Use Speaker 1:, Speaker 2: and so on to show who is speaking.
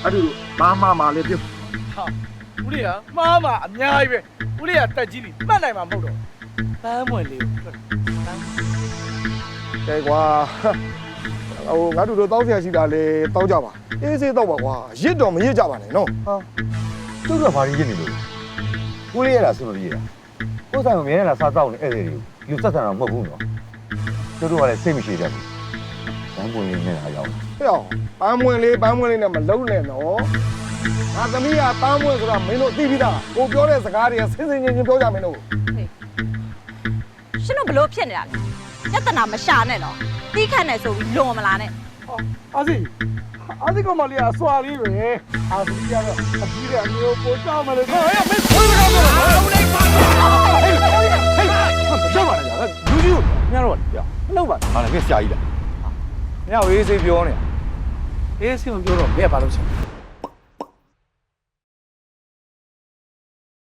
Speaker 1: အဲ့ဒီဘာမှမလေးပြုတ်
Speaker 2: ဟာဦးလေးကမှားမှာအများကြီးပဲဦးလေးကတက်ကြီးပြီမှတ်နိုင်မှာမဟုတ်တော့ပန်းမွင်လေးကိုထွက်ပန်း
Speaker 1: ကဲကွာဟိုငါတို့တောင်းဆရာရှိတာလေတောင်းကြပါအေးစေးတော့ပါကွာရစ်တော့မရစ်ကြပါနဲ့နော်ဟာ
Speaker 3: သူတို့ကဘာရင်းနေလို့ကိုလေးရတာဆိုလို့ရတာကိုယ်ဆိုင်ကိုမြင်ရတာစားတော့နေအဲ့ဒီယူဆက်ဆံတော့မဟုတ်ဘူးနော်သူတို့ကလည်းစိတ်မရှိကြဘူးဘန်းပွင့်လေးနဲ့လာရောက်
Speaker 1: ဟဲ့အောင်ပန်းမွင်လေးနဲ့မလုံးနဲ့နော်ငါသမီးကပန်းမွင်ဆိုတာမင်းတို့သိပြီးသားကိုပြောတဲ့စကားတွေကစင်စင်ချင်းချင်းပြောကြမင်းတို့
Speaker 4: ရှင်တို့ဘလို့ဖြစ်နေတာလဲပြဿနာမရှာနဲ့နော်တီးခတ်နေဆိုပြီးလွန်မလာနဲ့
Speaker 1: အာစီကမလေးအစွာလေးပဲအာစီကတော့အကြီးကအမျိုးပိုကြောက်မလို့ဟဲ့မင်းခွေးမကောင်းတော့ဘူးလေပါဟေးကြောက်ပါနဲ့ကြာလူကြီးကိုညတော့ပြမလုပ်ပါနဲ့ဟာလည်းဆရာကြီးလားညဝေးစေးပြောနေအေးစေးမပြောတော့ဘယ်ဘာလို့ဆက်